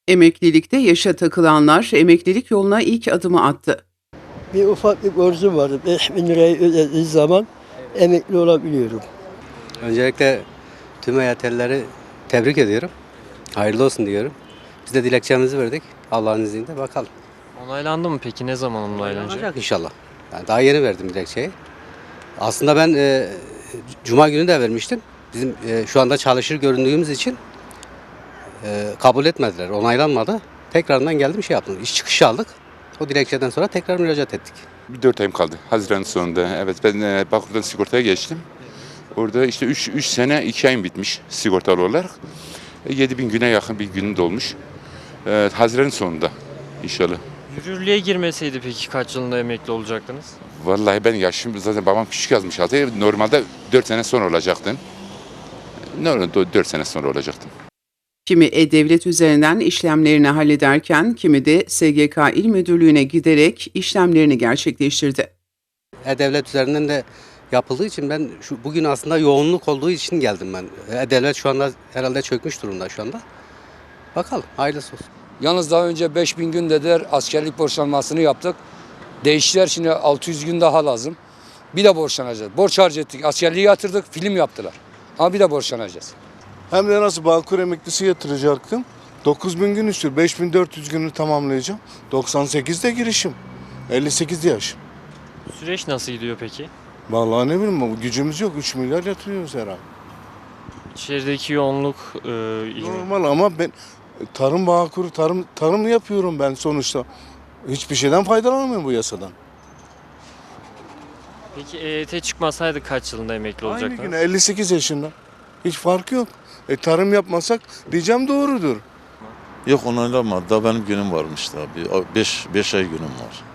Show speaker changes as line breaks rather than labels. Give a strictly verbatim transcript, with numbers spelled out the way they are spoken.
Emeklilikte yaşa takılanlar emeklilik yoluna ilk adımı attı.
Bir ufak bir borcum vardı. beş bin lirayı ödediği zaman emekli olabiliyorum.
Öncelikle tüm E Y T'lileri tebrik ediyorum. Hayırlı olsun diyorum. Biz de dilekçemizi verdik. Allah'ın izniyle bakalım.
Onaylandı mı peki? Ne zaman onaylanacak?
Olacak inşallah. Yani daha yeni verdim dilekçeyi. Aslında ben e, Cuma günü de vermiştim. Bizim e, şu anda çalışır göründüğümüz için e, kabul etmediler. Onaylanmadı. Tekrardan geldim şey yaptım. İş çıkışı aldık. O dilekçeden sonra tekrar müracaat ettik.
Bir dört ayım kaldı Haziran sonunda. Evet ben e, Bağkur'dan sigortaya geçtim. Orada işte üç sene iki ayım bitmiş sigortalı olarak. E, yedi bin güne yakın bir günüm dolmuş. E, Haziran sonunda inşallah.
Yürürlüğe girmeseydi peki kaç yılında emekli olacaktınız?
Vallahi ben yaşım zaten babam küçük yazmış altı. Normalde dört sene sonra olacaktım. Normalde dört sene sonra olacaktım.
Kimi E-Devlet üzerinden işlemlerini hallederken kimi de S G K İl Müdürlüğü'ne giderek işlemlerini gerçekleştirdi.
E-Devlet üzerinden de yapıldığı için ben şu bugün aslında yoğunluk olduğu için geldim ben. E-Devlet şu anda herhalde çökmüş durumda şu anda. Bakalım hayırlısı olsun.
Yalnız daha önce beş bin gün dediler, askerlik borçlanmasını yaptık. Değiştiler, şimdi altı yüz gün daha lazım. Bir de borçlanacağız. Borç harcettik, askerliği yatırdık, film yaptılar. Ama bir de borçlanacağız.
Hem de nasıl Bağkur emeklisi yatıracaktım. dokuz bin gün istiyor. beş bin dört yüz günü tamamlayacağım. doksan sekizde girişim. elli sekizde yaşım.
Süreç nasıl gidiyor peki?
Vallahi ne bileyim bu gücümüz yok. üç milyar yatırıyoruz her ay.
İçerideki yoğunluk e, iyi mi?
Normal ama ben tarım Bağkur, tarım tarım yapıyorum ben sonuçta. Hiçbir şeyden faydalanamıyorum bu yasadan.
Peki E Y T çıkmasaydı kaç yılında emekli
Aynı
olacaktınız?
güne elli sekiz yaşında. Hiç farkı yok. E, tarım yapmasak diyeceğim doğrudur.
Yok onaylanmadı. Daha benim günüm varmış daha. Bir beş, beş ay günüm var.